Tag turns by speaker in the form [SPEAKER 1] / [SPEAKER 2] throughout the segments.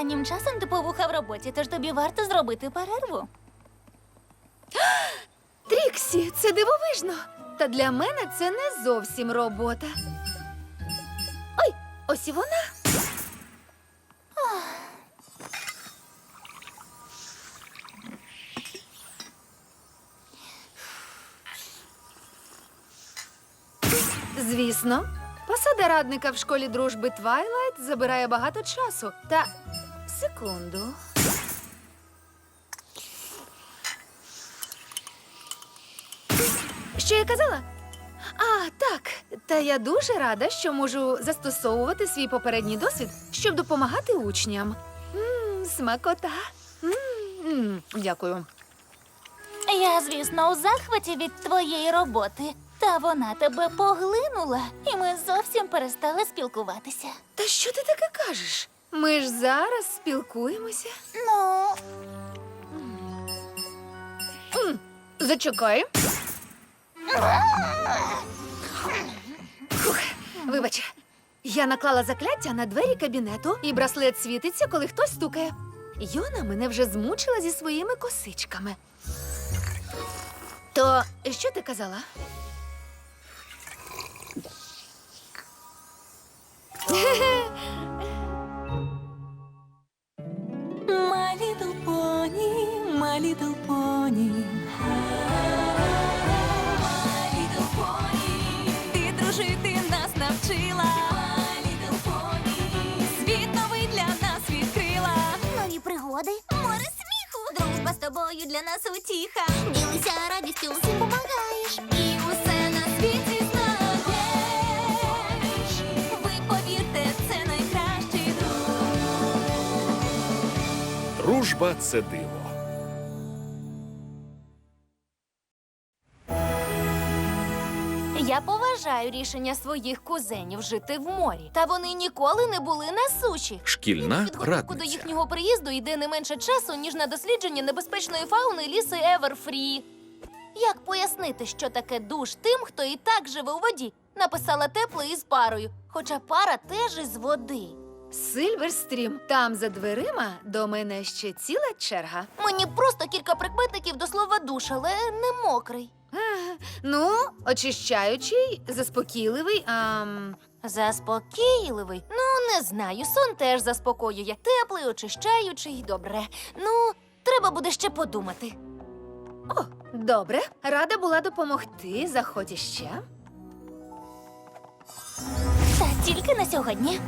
[SPEAKER 1] Останнім часом ти повуха в роботі, тож тобі варто зробити перерву.
[SPEAKER 2] Тріксі, це дивовижно. Та для мене це не зовсім робота. Ой, ось і вона. Звісно, посада радника в школі дружби Твайлайт забирає багато часу. Та секунду. Що я казала? А, так. Та я дуже рада, що можу застосовувати свій попередній досвід, щоб допомагати учням. Смакота. Дякую.
[SPEAKER 1] Я, звісно, у захваті від твоєї роботи. Та вона тебе поглинула, і ми зовсім перестали спілкуватися.
[SPEAKER 2] Та що ти таке кажеш? Ми ж зараз спілкуємося.
[SPEAKER 1] Ну,
[SPEAKER 2] Зачекай. Фух, вибач, я наклала закляття на двері кабінету, і браслет світиться, коли хтось стукає. Йона мене вже змучила зі своїми косичками. То що ти казала?
[SPEAKER 1] My little pony, my little pony. My little pony. Ти дружити нас навчила. My little pony. Світ новий для нас відкрила.
[SPEAKER 3] Нові пригоди, море сміху, дружба з тобою для нас утіха. Ділися радістю, всім помагаєш.
[SPEAKER 1] І усе на світі знаєш. Ви повірте, це найкращий друг.
[SPEAKER 4] Дружба – це диво.
[SPEAKER 2] Я поважаю рішення своїх кузенів жити в морі. Та вони ніколи не були на суші.
[SPEAKER 4] Шкільна
[SPEAKER 2] Підготовку до
[SPEAKER 4] радниця.
[SPEAKER 2] їхнього приїзду йде не менше часу, ніж на дослідження небезпечної фауни лісу Еверфрі. Як пояснити, що таке душ тим, хто і так живе у воді? Написала тепло із парою, хоча пара теж із води. Сильверстрім, там за дверима до мене ще ціла черга. Мені просто кілька прикметників до слова душ, але не мокрий. Ну, очищаючий, заспокійливий, Заспокійливий? Ну, не знаю, сон теж заспокоює. Теплий, очищаючий, добре. Ну, треба буде ще подумати. О, добре. Рада була допомогти. Заходь іще.
[SPEAKER 1] Та тільки на сьогодні.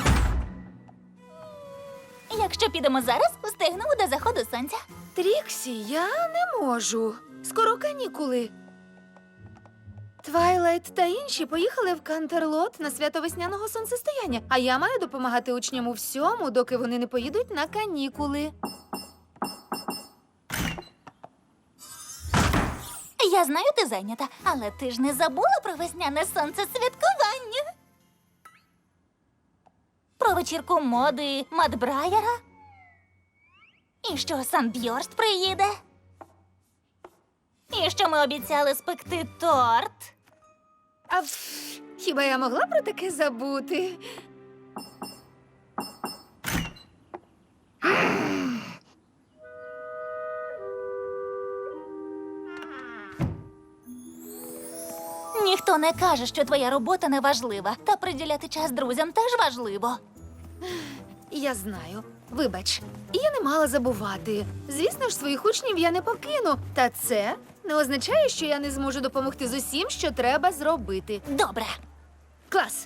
[SPEAKER 1] Якщо підемо зараз, встигнемо до заходу сонця.
[SPEAKER 2] Тріксі, я не можу. Скоро канікули. Твайлайт та інші поїхали в Кантерлот на свято весняного сонцестояння, а я маю допомагати учням у всьому, доки вони не поїдуть на канікули.
[SPEAKER 1] Я знаю, ти зайнята, але ти ж не забула про весняне сонцесвяткування? Про вечірку моди Мадбрайера? І що Санбьорст приїде? І що ми обіцяли спекти торт?
[SPEAKER 2] Хіба я могла про таке забути?
[SPEAKER 1] Ніхто не каже, що твоя робота не важлива, та приділяти час друзям теж важливо.
[SPEAKER 2] Я знаю. Вибач, я не мала забувати. Звісно ж, своїх учнів я не покину. Та це не означає, що я не зможу допомогти з усім, що треба зробити.
[SPEAKER 1] Добре.
[SPEAKER 2] Клас!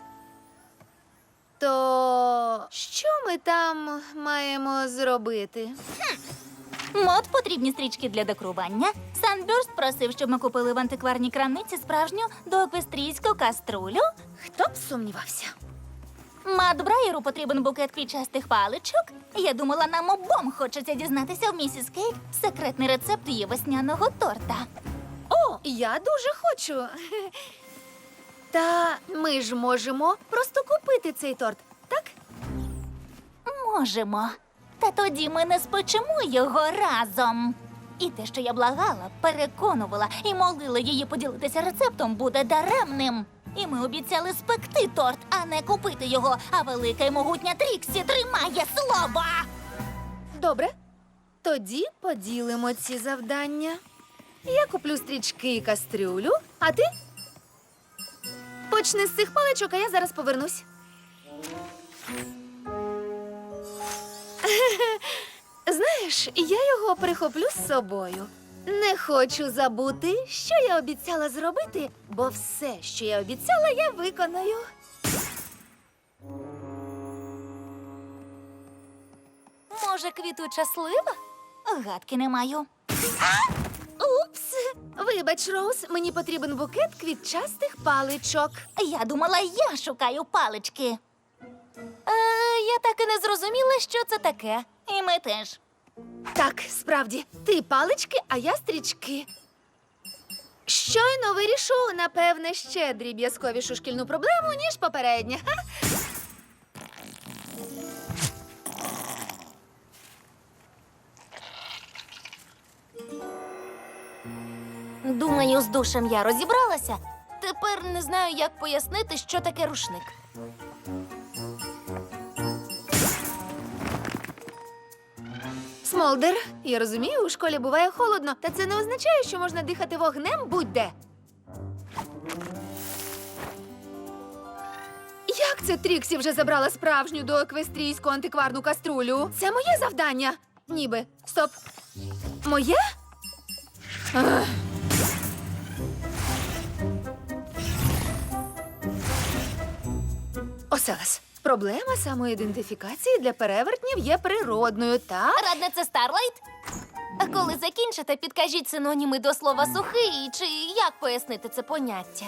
[SPEAKER 2] То що ми там маємо зробити?
[SPEAKER 1] Мод потрібні стрічки для декорування. Санбюрст просив, щоб ми купили в антикварній крамниці справжню доеквестрійську каструлю.
[SPEAKER 2] Хто б сумнівався?
[SPEAKER 1] Мадбрайеру потрібен букет квітчастих паличок. Я думала, нам обом хочеться дізнатися в місіс Кейт секретний рецепт її весняного торта.
[SPEAKER 2] О, я дуже хочу. Та ми ж можемо просто купити цей торт, так?
[SPEAKER 1] Можемо. Та тоді ми не спечемо його разом. І те, що я благала, переконувала і молила її поділитися рецептом, буде даремним. І ми обіцяли спекти торт, а не купити його. А велика й могутня Тріксі тримає слово.
[SPEAKER 4] Добре. Тоді поділимо ці завдання. Я куплю стрічки і кастрюлю, а ти? Почни з цих паличок, а я зараз повернусь. Знаєш, я його прихоплю з собою. Не хочу забути, що я обіцяла зробити, бо все, що я обіцяла, я виконаю.
[SPEAKER 2] Може, квітуча слива?
[SPEAKER 1] Гадки не маю.
[SPEAKER 4] Упс! Вибач, Роуз, мені потрібен букет квітчастих паличок.
[SPEAKER 1] Я думала, я шукаю палички.
[SPEAKER 2] Я так і не зрозуміла, що це таке.
[SPEAKER 1] І ми теж.
[SPEAKER 4] Так, справді, ти палички, а я стрічки. Щойно вирішу, напевне, ще дріб'язковішу шкільну проблему, ніж попередня. Ха!
[SPEAKER 2] Думаю, з душем я розібралася. Тепер не знаю, як пояснити, що таке рушник.
[SPEAKER 4] Смолдер, я розумію, у школі буває холодно, та це не означає, що можна дихати вогнем будь-де. Як це Тріксі вже забрала справжню доеквестрійську антикварну каструлю? Це моє завдання. Ніби. Стоп. Моє? Ах. Оселес. Проблема самоідентифікації для перевертнів є природною, так?
[SPEAKER 2] Радниця Старлайт? А коли закінчите, підкажіть синоніми до слова сухий, чи як пояснити це поняття?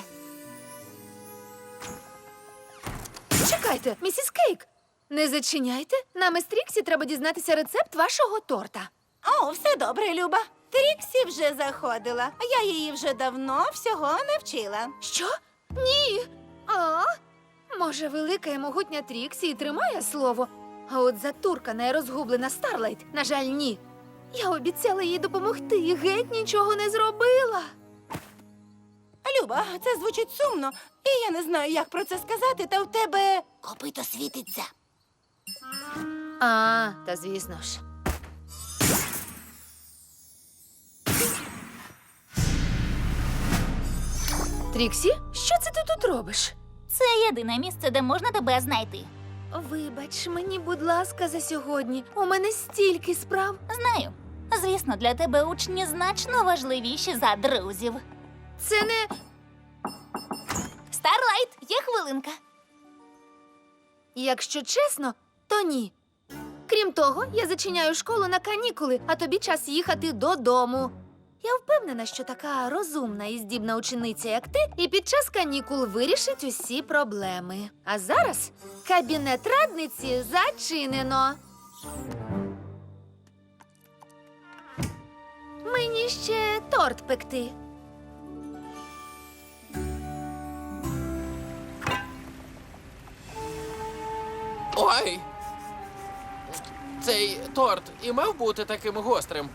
[SPEAKER 4] Чекайте, місіс Кейк, не зачиняйте. Нам із Тріксі треба дізнатися рецепт вашого торта.
[SPEAKER 5] О, все добре, Люба. Тріксі вже заходила, а я її вже давно всього навчила.
[SPEAKER 4] Що? Ні. А? Може, велика і могутня Тріксі і тримає слово, а от затуркана і розгублена Старлайт, на жаль, ні. Я обіцяла їй допомогти і геть нічого не зробила.
[SPEAKER 5] Люба, це звучить сумно, і я не знаю, як про це сказати, та в тебе
[SPEAKER 3] Копито світиться.
[SPEAKER 4] А, та звісно ж. Тріксі, що це ти тут робиш?
[SPEAKER 1] Це єдине місце, де можна тебе знайти.
[SPEAKER 4] Вибач мені, будь ласка, за сьогодні. У мене стільки справ.
[SPEAKER 1] Знаю. Звісно, для тебе учні значно важливіші за друзів.
[SPEAKER 4] Це не...
[SPEAKER 2] Старлайт, є хвилинка.
[SPEAKER 4] Якщо чесно, то ні. Крім того, я зачиняю школу на канікули, а тобі час їхати додому. Я впевнена, що така розумна і здібна учениця, як ти, і під час канікул вирішить усі проблеми. А зараз кабінет радниці зачинено. Мені ще торт пекти.
[SPEAKER 6] Ой! Цей торт і мав бути таким гострим.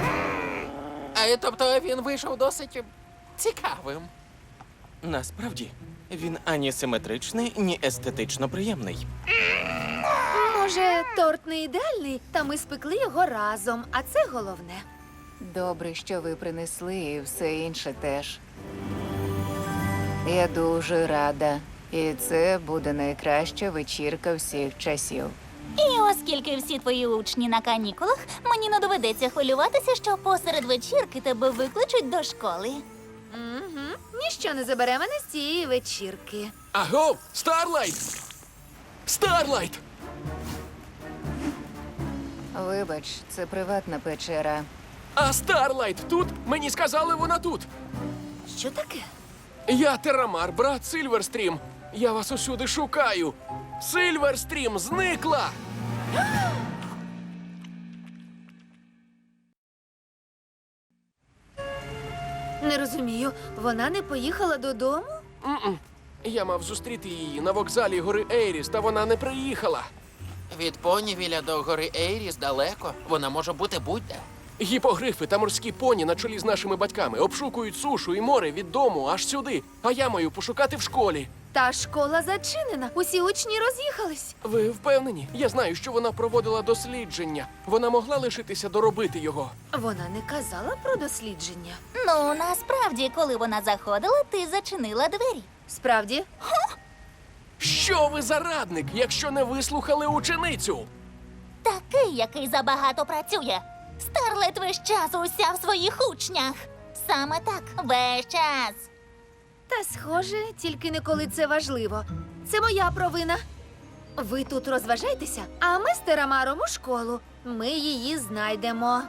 [SPEAKER 6] Тобто він вийшов досить цікавим.
[SPEAKER 7] Насправді, він ані симетричний, ні естетично приємний.
[SPEAKER 4] Може, торт не ідеальний, та ми спекли його разом, а це головне.
[SPEAKER 8] Добре, що ви принесли, і все інше теж. Я дуже рада. І це буде найкраща вечірка всіх часів.
[SPEAKER 1] І оскільки всі твої учні на канікулах, мені не доведеться хвилюватися, що посеред вечірки тебе викличуть до школи.
[SPEAKER 4] Угу. Ніщо не забере мене з цієї вечірки.
[SPEAKER 6] Аго! Старлайт! Старлайт!
[SPEAKER 8] Вибач, це приватна печера.
[SPEAKER 6] А Старлайт тут? Мені сказали, вона тут.
[SPEAKER 4] Що таке?
[SPEAKER 6] Я Терамар, брат Сильверстрім. Я вас усюди шукаю. Сильверстрім зникла!
[SPEAKER 4] Не розумію, вона не поїхала додому?
[SPEAKER 6] М-м. Я мав зустріти її на вокзалі гори Ейріс, та вона не приїхала.
[SPEAKER 9] Від Понівіля до гори Ейріс далеко. Вона може бути будь-де.
[SPEAKER 6] Гіпогрифи та морські поні на чолі з нашими батьками обшукують сушу і море від дому аж сюди, а я маю пошукати в школі.
[SPEAKER 4] Та школа зачинена. Усі учні роз'їхались.
[SPEAKER 6] Ви впевнені? Я знаю, що вона проводила дослідження. Вона могла лишитися доробити його.
[SPEAKER 4] Вона не казала про дослідження.
[SPEAKER 1] Ну, насправді, коли вона заходила, ти зачинила двері.
[SPEAKER 4] Справді?
[SPEAKER 6] Що ви за радник, якщо не вислухали ученицю?
[SPEAKER 1] Такий, який забагато працює. Старлет весь час уся в своїх учнях. Саме так, весь час.
[SPEAKER 4] Та схоже, тільки не коли це важливо. Це моя провина. Ви тут розважайтеся, а ми з Терамаром у школу. Ми її знайдемо.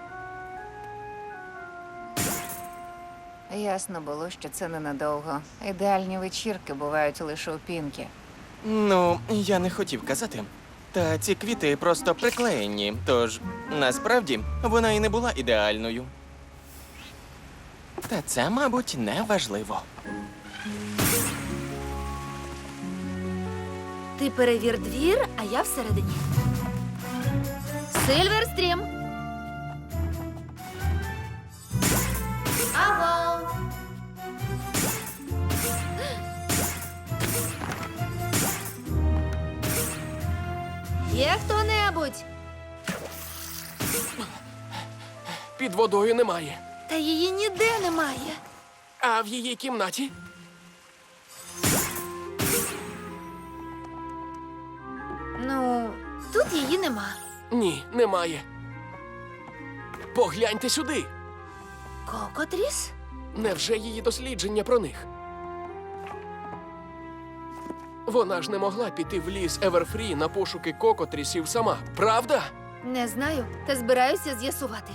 [SPEAKER 8] Ясно було, що це ненадовго. Ідеальні вечірки бувають лише у Пінкі.
[SPEAKER 7] Ну, я не хотів казати. Та ці квіти просто приклеєні, тож насправді вона і не була ідеальною. Та це, мабуть, не важливо.
[SPEAKER 4] Ти перевір двір, а я всередині. Сильверстрім! Аго! Є хто-небудь?
[SPEAKER 6] Під водою немає.
[SPEAKER 4] Та її ніде немає.
[SPEAKER 6] А в її кімнаті?
[SPEAKER 4] Ну, тут її нема.
[SPEAKER 6] Ні, немає. Погляньте сюди.
[SPEAKER 4] Кокотріс?
[SPEAKER 6] Невже її дослідження про них? Вона ж не могла піти в ліс Еверфрі на пошуки кокотрісів сама, правда?
[SPEAKER 4] Не знаю, та збираюся з'ясувати.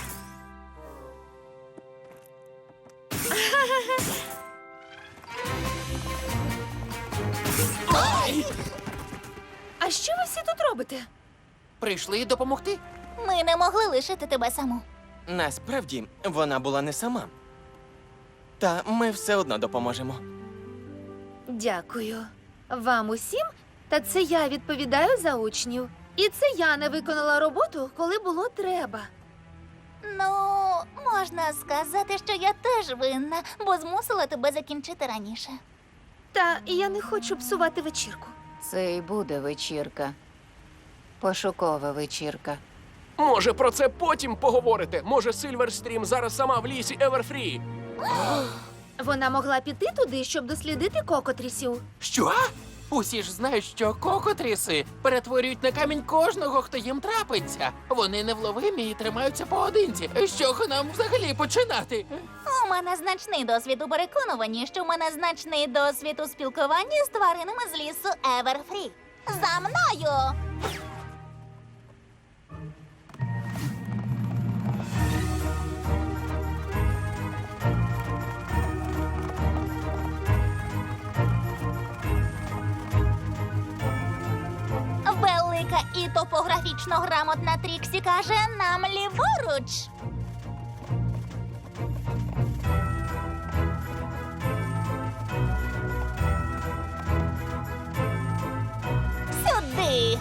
[SPEAKER 4] А що ви всі тут робите?
[SPEAKER 9] Прийшли допомогти?
[SPEAKER 1] Ми не могли лишити тебе саму.
[SPEAKER 7] Насправді, вона була не сама. Та ми все одно допоможемо.
[SPEAKER 4] Дякую. Вам усім? Та це я відповідаю за учнів. І це я не виконала роботу, коли було треба.
[SPEAKER 1] Ну, можна сказати, що я теж винна, бо змусила тебе закінчити раніше.
[SPEAKER 4] Та я не хочу псувати вечірку.
[SPEAKER 8] Це і буде вечірка. Пошукова вечірка.
[SPEAKER 6] Може, про це потім поговорите? Може, Сильверстрім зараз сама в лісі Еверфрі?
[SPEAKER 4] Вона могла піти туди, щоб дослідити кокотрісів.
[SPEAKER 9] Що? Усі ж знають, що кокотріси перетворюють на камінь кожного, хто їм трапиться. Вони невловимі і тримаються поодинці. З чого нам взагалі починати?
[SPEAKER 1] У мене значний досвід у переконуванні, що у мене значний досвід у спілкуванні з тваринами з лісу Еверфрі. За мною! Велика і топографічно грамотна Тріксі каже нам ліворуч. Сюди.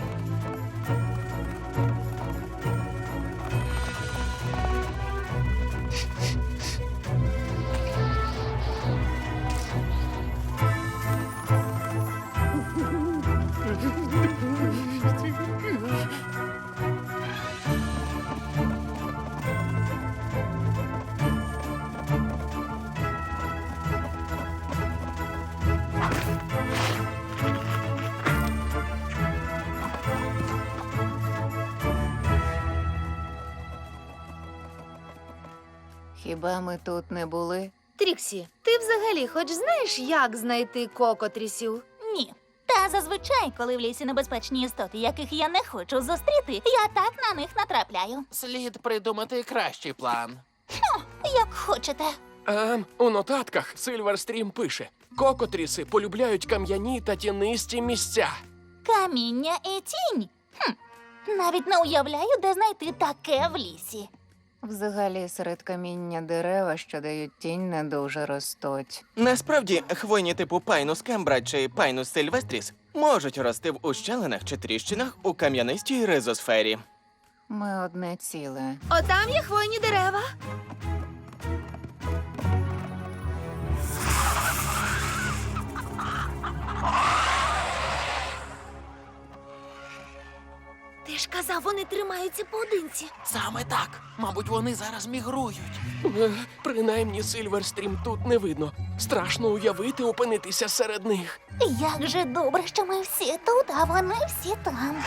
[SPEAKER 8] Хіба ми тут не були?
[SPEAKER 4] Тріксі, ти взагалі хоч знаєш, як знайти кокотрісів?
[SPEAKER 1] Ні. Та зазвичай, коли в лісі небезпечні істоти, яких я не хочу зустріти, я так на них натрапляю.
[SPEAKER 9] Слід придумати кращий план.
[SPEAKER 1] Як хочете.
[SPEAKER 6] У нотатках Сильверстрім пише: кокотріси полюбляють кам'яні та тінисті місця.
[SPEAKER 1] Каміння і тінь. Навіть не уявляю, де знайти таке в лісі.
[SPEAKER 8] Взагалі, серед каміння дерева, що дають тінь, не дуже ростуть.
[SPEAKER 7] Насправді, хвойні типу Пайнус кембра чи Пайнус сильвестріс можуть рости в ущелинах чи тріщинах у кам'янистій ризосфері.
[SPEAKER 8] Ми одне ціле.
[SPEAKER 4] Отам є хвойні дерева. Ти ж казав, вони тримаються поодинці.
[SPEAKER 9] Саме так. Мабуть, вони зараз мігрують.
[SPEAKER 6] Принаймні Сильверстрім тут не видно. Страшно уявити опинитися серед них.
[SPEAKER 1] Як же добре, що ми всі тут, а вони всі там.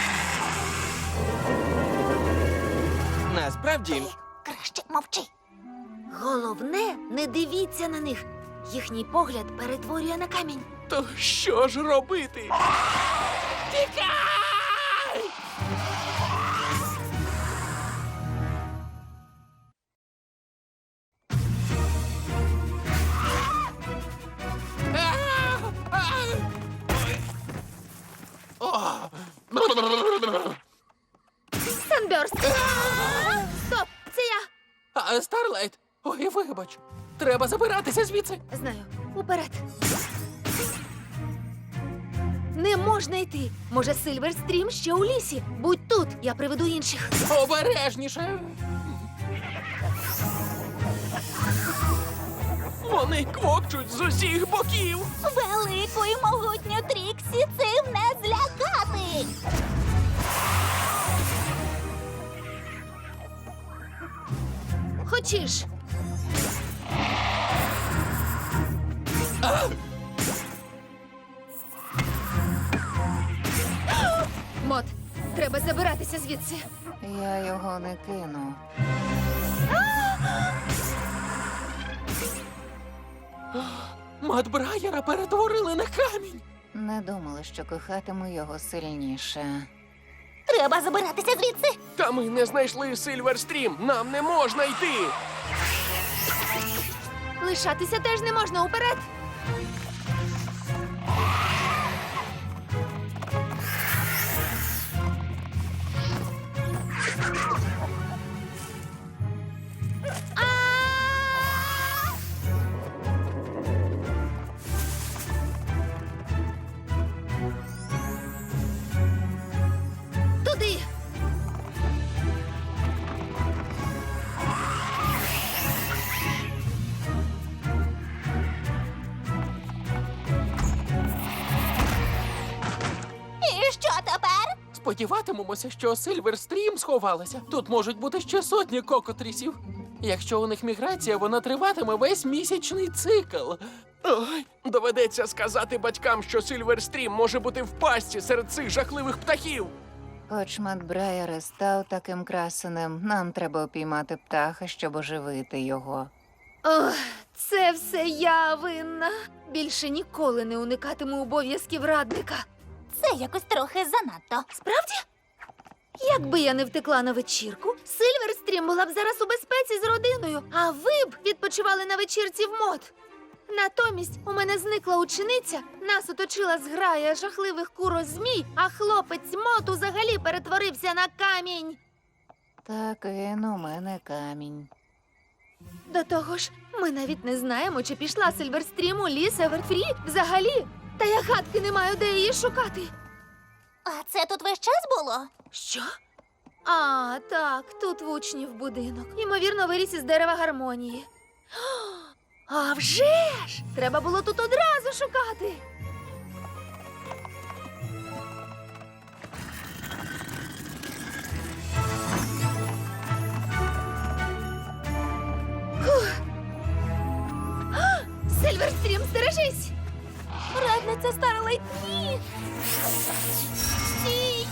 [SPEAKER 7] Насправді,
[SPEAKER 1] Краще мовчи.
[SPEAKER 4] Головне, не дивіться на них. Їхній погляд перетворює на камінь.
[SPEAKER 6] То що ж робити?
[SPEAKER 4] Санберст! Стоп! Це я!
[SPEAKER 9] Старлайт, ой, вибач. Треба забиратися звідси.
[SPEAKER 4] Знаю. Уперед. Не можна йти. Може, Сильверстрім ще у лісі. Будь тут, я приведу інших.
[SPEAKER 9] Обережніше.
[SPEAKER 6] Вони квокчуть з усіх боків.
[SPEAKER 1] Велику і могутню Тріксі цим не злякати.
[SPEAKER 4] Хочеш? Мот, треба забиратися звідси.
[SPEAKER 8] Я його не кину.
[SPEAKER 9] Мат Брайера перетворили на камінь.
[SPEAKER 8] Не думала, що кохатиму його сильніше.
[SPEAKER 1] Треба забиратися звідси.
[SPEAKER 6] Та ми не знайшли Сильверстрім. Нам не можна йти.
[SPEAKER 4] Лишатися теж не можна уперед. Туди.
[SPEAKER 1] І що тепер?
[SPEAKER 9] Сподіватимемося, що Сильверстрім сховалася. Тут можуть бути ще сотні кокотрісів. Якщо у них міграція, вона триватиме весь місячний цикл.
[SPEAKER 6] Ой, доведеться сказати батькам, що Сильверстрім може бути в пастці серед цих жахливих птахів.
[SPEAKER 8] Хоч Мат Брайер і став таким красенем, нам треба упіймати птаха, щоб оживити його.
[SPEAKER 4] Ох, це все я винна. Більше ніколи не уникатиму обов'язків радника.
[SPEAKER 1] Це якось трохи занадто.
[SPEAKER 4] Справді? Якби я не втекла на вечірку, Сильверстрім була б зараз у безпеці з родиною, а ви б відпочивали на вечірці в мод. Натомість у мене зникла учениця, нас оточила зграя жахливих курозмій, а хлопець Мот взагалі перетворився на камінь.
[SPEAKER 8] Так він у мене камінь.
[SPEAKER 4] До того ж, ми навіть не знаємо, чи пішла Сильверстрім у ліс Еверфрі взагалі. Та я гадки не маю, де її шукати.
[SPEAKER 1] А це тут весь час було?
[SPEAKER 4] Що? А, так, тут в учнів будинок. Ймовірно, виріс із дерева гармонії. А вже ж! Треба було тут одразу шукати. Фух. А! Сильверстрім, стережись!
[SPEAKER 1] Радниця Старлайт, ні! Стій!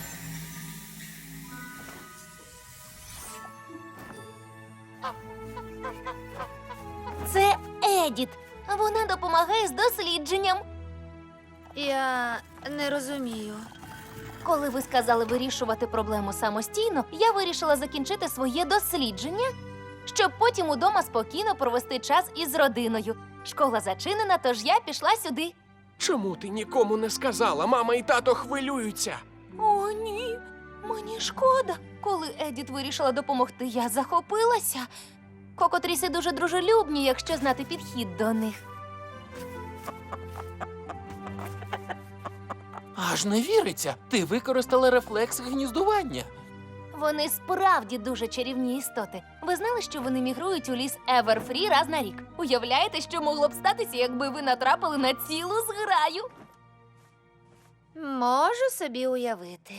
[SPEAKER 1] Це Едіт.
[SPEAKER 2] Вона допомагає з дослідженням.
[SPEAKER 4] Я не розумію.
[SPEAKER 2] Коли ви сказали вирішувати проблему самостійно, я вирішила закінчити своє дослідження, щоб потім удома спокійно провести час із родиною. Школа зачинена, тож я пішла сюди.
[SPEAKER 6] Чому ти нікому не сказала? Мама і тато хвилюються.
[SPEAKER 2] О, ні, мені шкода. Коли Едіт вирішила допомогти, я захопилася. Кокотріси дуже дружелюбні, якщо знати підхід до них.
[SPEAKER 9] Аж не віриться. Ти використала рефлекс гніздування.
[SPEAKER 2] Вони справді дуже чарівні істоти. Ви знали, що вони мігрують у ліс Еверфрі раз на рік? Уявляєте, що могло б статися, якби ви натрапили на цілу зграю?
[SPEAKER 4] Можу собі уявити.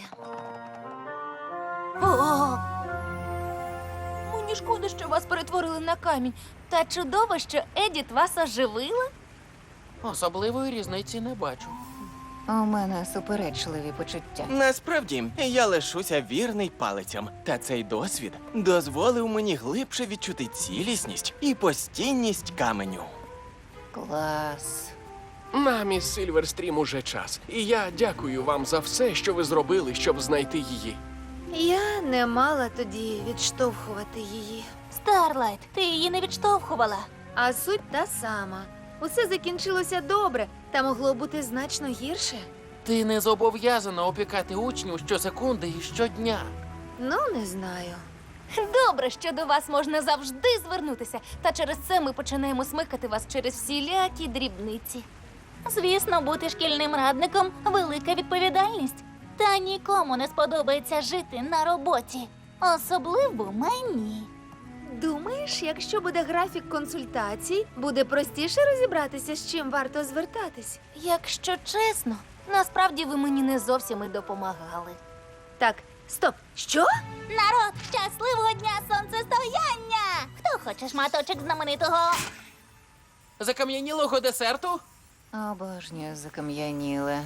[SPEAKER 2] О! Мені шкода, що вас перетворили на камінь. Та чудово, що Едіт вас оживила.
[SPEAKER 9] Особливої різниці не бачу.
[SPEAKER 8] У мене суперечливі почуття.
[SPEAKER 7] Насправді, я лишуся вірний палицям, та цей досвід дозволив мені глибше відчути цілісність і постійність каменю.
[SPEAKER 8] Клас.
[SPEAKER 6] Нам із Сильверстрім уже час. І я дякую вам за все, що ви зробили, щоб знайти її.
[SPEAKER 4] Я не мала тоді відштовхувати її.
[SPEAKER 1] Старлайт, ти її не відштовхувала.
[SPEAKER 4] А суть та сама. Усе закінчилося добре, та могло бути значно гірше.
[SPEAKER 9] Ти не зобов'язана опікати учнів щосекунди і щодня.
[SPEAKER 4] Ну, не знаю.
[SPEAKER 2] Добре, що до вас можна завжди звернутися. Та через це ми починаємо смикати вас через всілякі дрібниці.
[SPEAKER 1] Звісно, бути шкільним радником – велика відповідальність. Та нікому не сподобається жити на роботі. Особливо мені.
[SPEAKER 4] Думаєш, якщо буде графік консультацій, буде простіше розібратися, з чим варто звертатись?
[SPEAKER 2] Якщо чесно, насправді ви мені не зовсім і допомагали.
[SPEAKER 4] Так, стоп, що?
[SPEAKER 1] Народ, щасливого дня сонцестояння! Хто хоче шматочок знаменитого?
[SPEAKER 9] Закам'янілого десерту?
[SPEAKER 8] Обожнюю закам'яніле.